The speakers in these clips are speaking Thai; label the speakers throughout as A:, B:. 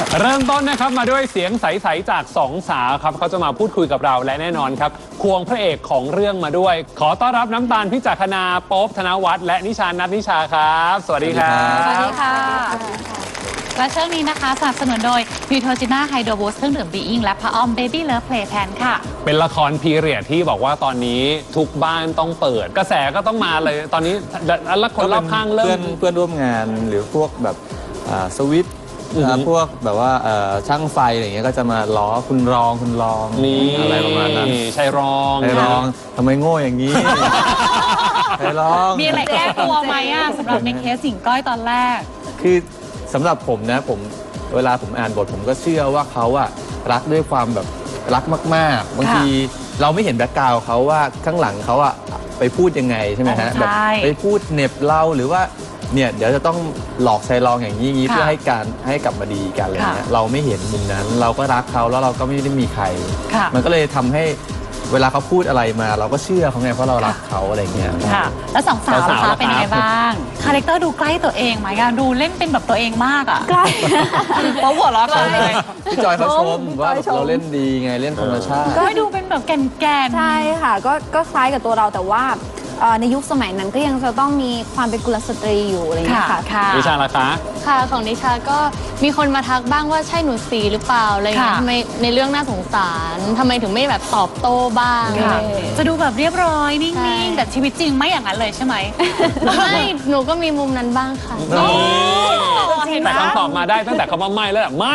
A: เริ่มต้นนะครับมาด้วยเสียงใสๆจากสองสาวครับเขาจะมาพูดคุยกับเราและแน่นอนครับควงพระเอกของเรื่องมาด้วยขอต้อนรับน้ำตาลพิจักนาโป๊ปธนวัฒน์และนิชานัทนิชาครับสวัสดีครับ
B: สวัสดีค่ะและช่วงนี้นะคะสนับสนุนโดยนิวโทจิน่าไฮโดรบูสเครื่องดื่มบีอิงและพระอ้อมเบบี้เลิฟเพลย์แพนค่ะ
A: เป็นละครพีเรียดที่บอกว่าตอนนี้ทุกบ้านต้องเปิดกระแสก็ต้องมาเลยตอนนี้แล้วคนรอบข้างเริ่ม
C: เพื่อนร่วมงานหรือพวกแบบสวิตพวกแบบว่าช่างไฟอะไรอย่างเงี้ยก็จะมาล้อคุณรอง
A: นี่
C: อะไรประมาณนั้น
A: ใช่รอง
C: ทำไมโง่อย่างนี้ใช่รอง
B: มีอะไรแก้ตัวไหมอ่ะสำหรับในเคสสิงก้อยตอนแรก
C: คือสำหรับผมนะเวลาผมอ่านบทผมก็เชื่อว่าเขาอะรักด้วยความแบบรักมากๆบางทีเราไม่เห็นแบ็คกราวด์เขาว่าข้างหลังเขาอะไปพูดยังไงใช่ไหมฮะแบบไปพูดเหน็บเราหรือว่าเนี่ยเดี๋ยวจะต้องหลอกชายรองอย่างนี้เพื่อให้กลับมาดีกันอะไรเงี้ยเราไม่เห็นมุมนั้นเราก็รักเขาแล้วเราก็ไม่ได้มีใครมันก็เลยทำให้เวลาเขาพูดอะไรมาเราก็เชื่อเขาไงเพราะเรารักเขาอะไรเงี้ย
B: ค่ะแล้วสองสาวนะคะเป็นยังไงบ้างคาแรคเตอร์ดูใกล้ตัวเองไหมอะดูเล่นเป็นแบบตัวเองมากอะ
D: ใกล้
B: เพราะหัวเราะกันเลย
C: พี่จอยเขาชมว่าเราเล่นดีไงเล่นธรรมชาติ
B: ก็ดูเป็นแบบแก่น
D: ใช่ค่ะก็คล้ายกับตัวเราแต่ว่าในยุคสมัยนั้นก็ยังจะต้องมีความเป็นกุลสตรีอยู่อะไรอย่างเงี้ยค่ะ
A: นิชาล่ะคะ
E: ค่ะของนิชาก็มีคนมาทักบ้างว่าใช่หนูสีหรือเปล่าอะไรเงี้ยทำไมในเรื่องน่าสงสารทำไมถึงไม่แบบตอบโต้บ้าง
B: จะดูแบบเรียบร้อยนิ่งๆแต่ชีวิตจริงไม่อย่างนั้นเลยใช่ไหม
E: ไม่หนูก็มีมุมนั้นบ้างค่ะ
A: แต่คำตอบมาได้ตั้งแต่คำว่าไม่แล้วไม่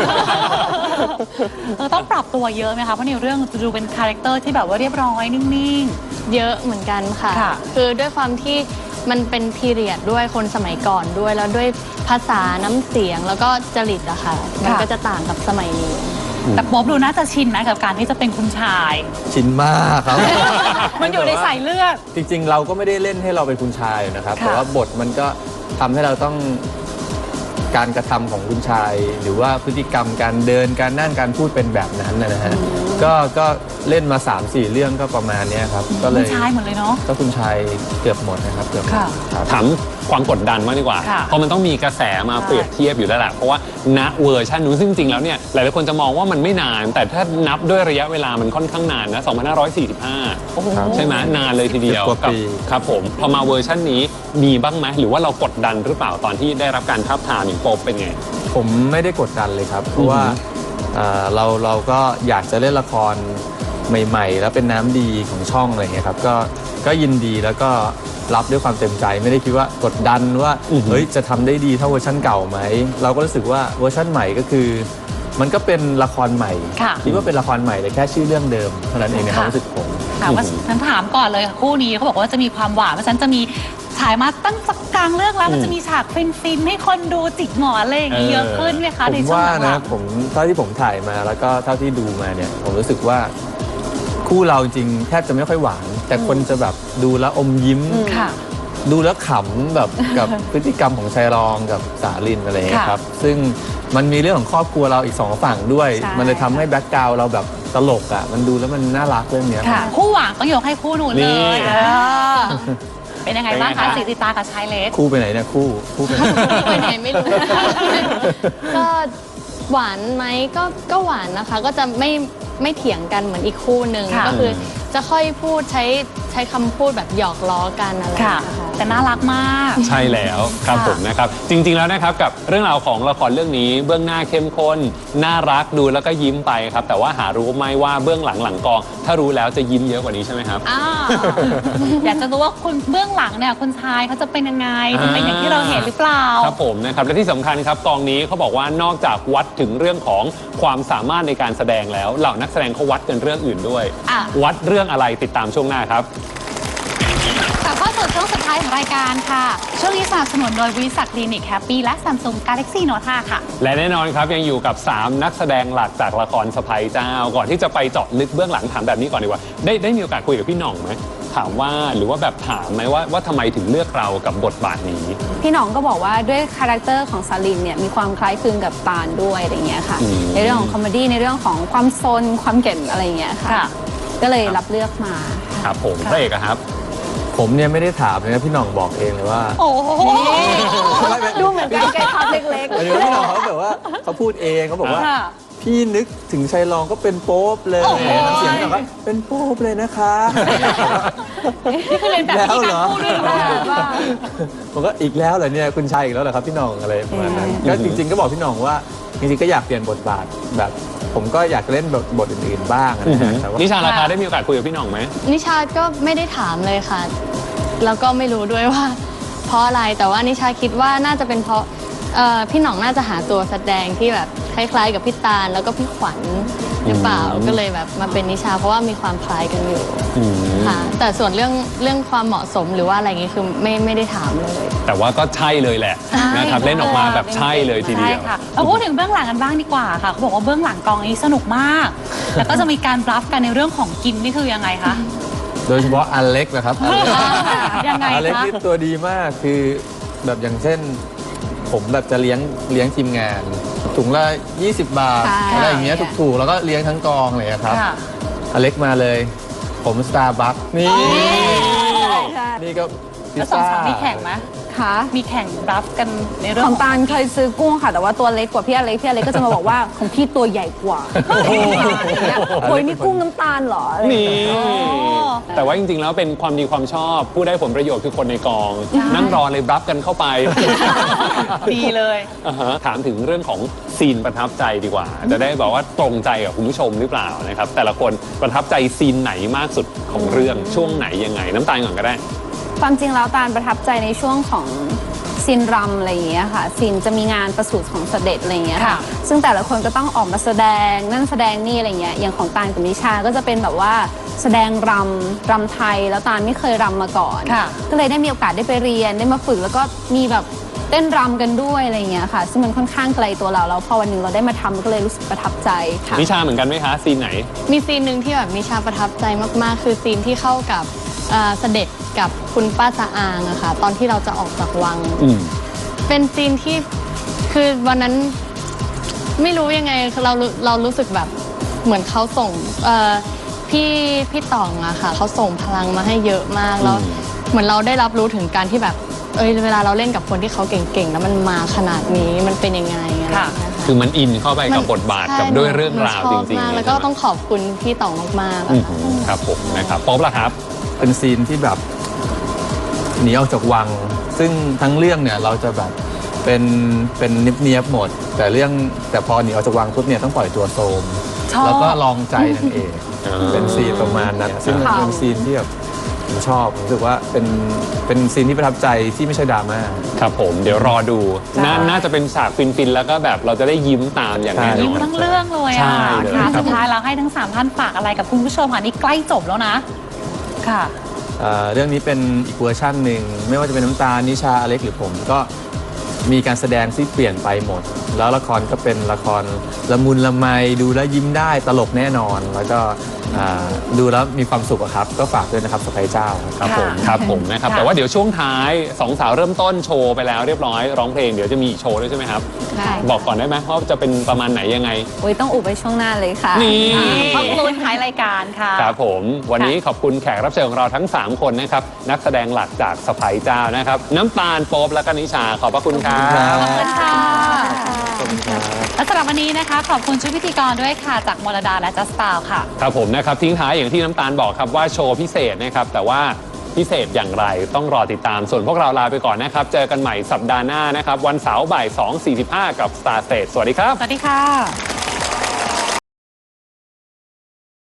B: ต้องปรับตัวเยอะไหมคะเพราะในเรื่องจะดูเป็นคาแรคเตอร์ที่แบบว่าเรียบร้อยนิ่ง
E: ๆเยอะเหมือนกันค่ะคือด้วยความที่มันเป็นพีเรียดด้วยคนสมัยก่อนด้วยแล้วด้วยภาษาน้ำเสียงแล้วก็จริตอะค่ะมันก็จะต่างกับสมัยนี้
B: แต่ป๊อบดูน่าจะชินนะกับการที่จะเป็นคุณชาย
C: ชินมากครับ
B: มันอยู่ในสายเลือด
C: จริงๆเราก็ไม่ได้เล่นให้เราเป็นคุณชายนะครับแต่ว่าบทมันก็ทำให้เราต้องการกระทำของคุณชายหรือว่าพฤติกรรมการเดินการนั่งการพูดเป็นแบบนั้นนะฮะก็เล่นมา 3-4 เรื่องก็ประมาณนี้ครับก็เลย
B: คุณชายหมดเลยเนาะ
C: ก็คุณชายเกือบหมดนะครับเกือบ
A: ถามความกดดันมากดีกว่าเพราะมันต้องมีกระแสมาเปรียบเทียบอยู่แล้วแหละเพราะว่าณเวอร์ชันนู้นซึ่งจริงแล้วเนี่ยหลายๆคนจะมองว่ามันไม่นานแต่ถ้านับด้วยระยะเวลามันค่อนข้างนานนะ2545ใช่ไหมนานเลยทีเดียวครับผมพอมาเวอร์ชันนี้มีบ้างไหมหรือว่าเรากดดันหรือเปล่าตอนที่ได้รับการทาบทามอย่างโป๊ปเป็นไง
C: ผมไม่ได้กดดันเลยครับเพราะว่าเราก็อยากจะเล่นละครใหม่ๆแล้วเป็นน้ำดีของช่องอะไรเงี้ยครับก็ยินดีแล้วก็รับด้วยความเต็มใจไม่ได้คิดว่ากดดันว่าเฮ้ยจะทำได้ดีเท่าเวอร์ชันเก่าไหมเราก็รู้สึกว่าเวอร์ชันใหม่ก็คือมันก็เป็นละครใหม่คิดว่าเป็นละครใหม่แต่แค่ชื่อเรื่องเดิมเท่านั้นเองในความรู้สึกผม
B: ฉันถามก่อนเลยคู่นี้เขาบอกว่าจะมีความหวานเพราะฉันจะมีฉายมาตั้งสักกลางเรื่องแล้วมันจะมีฉากฟินๆให้คนดูจิกหมอนอะไรอย่างนี้เยอะขึ้นไหมคะในช่วงหลัง
C: ผมว่านะผมเท่าที่ผมถ่ายมาแล้วก็เท่าที่ดูมาเนี่ยผมรู้สึกว่าคู่เราจริงแทบจะไม่ค่อยหวานแต่คนจะแบบดูแล้วอมยิ้มดูแล้วขำแบบกับพฤติกรรมของชายรองกับสาลินอะไรอย่างเงี้ยครับซึ่งมันมีเรื่องของครอบครัวเราอีก2ฝั่งด้วยมันเลยทำให้แบ็คกราวด์เราแบบตลกอ่ะมันดูแล้วมันน่ารักเรื่องนี้
B: คู่หวานต้องยกให้คู่หนูเลยเป็นยังไงบ้างคะสีติตากับชายเล็ก
C: คู่ไปไหนเนี่ยคู่
E: ไปไหนไม่รู้ก็หวานไหมก็หวานนะคะก็จะไม่เถียงกันเหมือนอีกคู่หนึ่งก็คือจะค่อยพูดใช้คำพูดแบบหยอกล้อกันอะไร
B: แต่น่ารักมาก
A: ใช่แล้วครับผมนะครับจริงๆแล้วนะครับกับเรื่องราวของละครเรื่องนี้เบื้องหน้าเข้มข้นน่ารักดูแล้วก็ยิ้มไปครับแต่ว่าหารู้ไหมว่าเบื้องหลังกองถ้ารู้แล้วจะยิ้มเยอะกว่านี้ใช่ไหมครับ
B: อยากจะรู้ว่าคุณเบื้องหลังเนี่ยคุณชายเขาจะเป็นยังไงจะเป็นอย่างที่เราเห็นหรือเปล่า
A: ครับผมนะครับและที่สำคัญครับกองนี้เขาบอกว่านอกจากวัดถึงเรื่องของความสามารถในการแสดงแล้วเหล่านักแสดงเขาวัดกันเรื่องอื่นด้วยวัดเรื่องอะไรติดตามช่วงหน้าครับ
B: กลับเข้าสู่ช่วงสุดท้ายของรายการค่ะช่วงนี้สนับสนุนโดยบริษัทคลินิกแฮปปี้และ Samsung Galaxy Note 5ค่ะ
A: และแน่นอนครับยังอยู่กับ3นักแสดงหลักจากละครสะใภ้เจ้าก่อนที่จะไปเจาะลึกเบื้องหลังถามแบบนี้ก่อนดีกว่าได้มีโอกาสคุยกับพี่หน่องไหมถามว่าหรือว่าแบบถามไหมว่าทำไมถึงเลือกเรากับบทบาทนี้
D: พี่หน่องก็บอกว่าด้วยคาแรคเตอร์ของสาลินเนี่ยมีความคล้ายคลึงกับตาลด้วยอะไรเงี้ยค่ะในเรื่องของคอมเมดี้ในเรื่องของความซนความเก่งอะไรเงี้ยค่ะก็เลยรับเลือกมา
A: ครับผมพระเอกครับ
C: ผมเนี่ยไม่ได้ถามเลยนะพี่หน่องบอกเองเลยว่า
D: โอ้โหดูเหมือนกันแกทำเล็ก
C: หมายถึงว่าพี่หน่องเขาแบบว่าเขาพูดเองเขาบอกว่า
B: ค่ะ
C: พี่นึกถึงชัยรองก็เป็นโป๊ปเลย
B: โอ้โห
C: น้ำเสียงพี่หน่องก็เป็นโป๊ปเลยนะคะ
B: นี่คือเรียนแบบที่การพูดด้วยหรือเปล่า
C: ผมก็อีกแล้วเหรอเนี่ยคุณชายอีกแล้วเหรอครับพี่หน่องอะไรประมาณนั้นก็จริงๆก็บอกพี่หน่องว่าจริงๆก็อยากเปลี่ยนบทบาทแบบ ผมก็อยากเล่นบทอื่นๆบ้างนะฮะแต่ว่า
A: นิชาราคาได้มีโอกาสคุยกับพี่หน่องไหม
E: นิชาก็ไม่ได้ถามเลยค่ะ แล้วก็ไม่รู้ด้วยว่า เพราะอะไร แต่ว่านิชาคิดว่าน่าจะเป็นเพราะพี่หน่องน่าจะหาตัวแสดงที่แบบคล้ายๆกับพี่ตาลแล้วก็พี่ขวัญหรือเปล่า ก็เลยแบบมาเป็นนิชาเพราะว่ามีความคล้ายกันอยู่ค่ะ แต่ส่วนเรื่องความเหมาะสมหรือว่าอะไรอย่างงี้คือไม่ได้ถามเลย
A: แต่ว่าก็ใช่เลยแหละนะครับเล่นออกมาแบบใช่เลยทีเดียว
B: ใช่ค่ะเราพูดถึงเบื้องหลังกันบ้างดีกว่าค่ะเขาบอกว่าเบื้องหลังกองนี้สนุกมาก แล้วก็จะมีการบลัฟกันในเรื่องของกินนี่คือยังไงคะ
C: โดยเฉพาะอเล็กนะครับอเล็ก
B: ยังไง
C: อเล็ก
B: คะ
C: นี่ตัวดีมากคือแบบอย่างเช่น ผมแบบจะเลี้ยงทีมงานถุงละ20 บาท
D: ใช่
C: อะไรอย่างเงี้ยถูกๆแล้วก็เลี้ยงทั้งกองเลยอะครับ
B: ค่ะ
C: อเล็กมาเลย ผมสตาร์บัคนี่
D: ใช่
C: นี่ก็พิ
B: แล้
C: ซ
B: วสอง
C: ซ่า
B: สาวมีแข่งไหม
D: ค่ะ
B: มีแข่งบลัฟกันในเรื่อ
D: ของ ง
B: ของ
D: ตาลเคยซื้อกุ้งค่ะ แต่ว่าตัวเล็กกว่าพี่อเล็กก็จะมาบอกว่าของพี่ตัวใหญ่กว่าโอ้ยนี่กุ้งน้ำตาลเหรออะไรอย่าง
A: นี่
D: เงี้ย
A: แต่ว่าจริงๆ แล้วเป็นความดีความชอบ ผู้ได้ผลประโยชน์คือคนในกอง นั่งรอเลยรับกันเข้าไป
B: ดีเลย
A: อ่าฮะถามถึงเรื่องของซีนประทับใจดีกว่า จะได้บอกว่าตรงใจกับคุณผู้ชมหรือเปล่านะครับ แต่ละคนประทับใจซีนไหนมากสุดของเรื่องช่วงไหนยังไง น้ำตาลก่อนก็ได้
D: ความจริงแล้วตาลประทับใจในช่วงของซีนรำอะไรอย่างเงี้ยค่ะซีนจะมีงานประสูติของเสด็จอะไรอย่างเงี้ยค่ะ
B: ค่ะ
D: ซึ่งแต่ละคนก็ต้องออกมาแสดงนั่นแสดงนี่อะไรเงี้ยอย่างของตาลกับนิชาก็จะเป็นแบบว่าแสดงรำไทยแล้วตาลไม่เคยรำมาก่อน
B: ค่ะ
D: ก็เลยได้มีโอกาสได้ไปเรียนได้มาฝึกแล้วก็มีแบบเต้นรำกันด้วยอะไรอย่างเงี้ยค่ะ ซึ่งมันค่อนข้างไกลตัวเราแล้วพอวันหนึ่งเราได้มาทำก็เลยรู้สึกประทับใจค่ะ
A: นิชาเหมือนกันไหมคะ ซีนไหน
E: มีซีนหนึ่งที่แบบนิชาประทับใจมากๆ คือซีนที่เข้ากับเสด็จกับคุณป้าสะอางอะค่ะตอนที่เราจะออกจากวัง
A: อืม
E: เป็นซีนที่คือวันนั้นไม่รู้ยังไงคือเรารู้สึกแบบเหมือนเขาส่งพี่ต่องอะค่ะเขาส่งพลังมาให้เยอะมากแล้วเหมือนเราได้รับรู้ถึงการที่แบบเวลาเราเล่นกับคนที่เขาเก่งๆแล้วมันมาขนาดนี้มันเป็นยังไงอะไรอย่างเงี้ยค่ะ
A: คือมันอินเข้าไปกับบทบาทกับด้วยเรื่องราวจริง
E: ๆ
A: ๆ
E: แล้วก็ต้องขอบคุณพี่ต่องมากๆ
A: อื
E: อะ
A: ม
E: ค่ะ
A: ครับผมนะครับป๊อบล่ะครับ
C: เป็นซีนที่แบบหนีออกจากวัง ซึ่งทั้งเรื่องเนี่ยเราจะแบบเป็นเนียบๆหมด แต่พอหนีออกจากวังปุ๊บเนี่ยต้องปล่อยตัวโซม
B: ชอบ
C: แล้วก็ลองใจนางเอก
A: อ่า
C: เป็นซีนประมาณนั้นซึ่งมันเป็นซีนที่แบบผมชอบผมรู้สึกว่าเป็นซีนที่ประทับใจที่ไม่ใช่ดราม่า
A: ครับผมเดี๋ยวรอดูน่าจะเป็นฉากฟินๆ แล้วก็แบบเราจะได้ยิ้มตามอย่างแน่น
B: ยิ้ม
A: อน
B: ทั้งเรื่องเลย
A: ใช่
B: อ่ะ
A: เลย
B: ค่ะ
A: ครับ
B: สุดท้ายเราให้ทั้ง3ท่านฝากอะไรกับคุณผู้ชมค่ะนี่ใกล้จบแล้วนะ ค่ะ
C: เรื่องนี้เป็นอีกเวอร์ชันหนึ่งไม่ว่าจะเป็นน้ำตาลนิชาอเล็กหรือผมก็มีการแสดงที่เปลี่ยนไปหมด แล้วละครก็เป็นละครละมุนละไมดูแล้วยิ้มได้ตลกแน่นอน แล้วก็ดูแล้วมีความสุขอะครับ ก็ฝากด้วยนะครับสไปเจ้า
A: ครับผม
B: ค่ะ
A: ครับผมนะครับ
B: ค่ะ
A: แต่ว่าเดี๋ยวช่วงท้ายสองสาวเริ่มต้นโชว์ไปแล้วเรียบร้อยร้องเพลงเดี๋ยวจะมีอีกโชว์ด้วยใช่ไหมครับ
D: ใช่
A: บอกก่อนได้ไหมว่าจะเป็นประมาณไหนยังไง
D: โอ้ยต้องอุบไปช่วงหน้าเลยค่ะ
A: นี่
B: ขอบคุณท้ายรายการค่ะ
A: ครับผมวันนี้ขอบคุณแขกรับเชิญของเราทั้ง 3 คนนะครับนักแสดงหลักจากสไปเจ้านะครับน้ำตาลโป๊บและก็นิชาขอบพระคุณครั
C: ขอบคุณครับ
A: บ
B: ขอบคุณค่ะและสำหรับวันนี้นะคะ ขอบคุณชุดพิธีกรด้วยค่ะ จากมรดาและจัสตาวค่ะ
A: ครับผมนะครับทิ้งท้ายอย่างที่น้ำตาลบอกครับว่าโชว์พิเศษนะครับแต่ว่าพิเศษอย่างไรต้องรอติดตามส่วนพวกเราลาไปก่อนนะครับเจอกันใหม่สัปดาห์หน้านะครับวันเสาร์บ่าย 2:45 กับ Star Stage สวัสดีครับ
B: สวัสดีค่ะ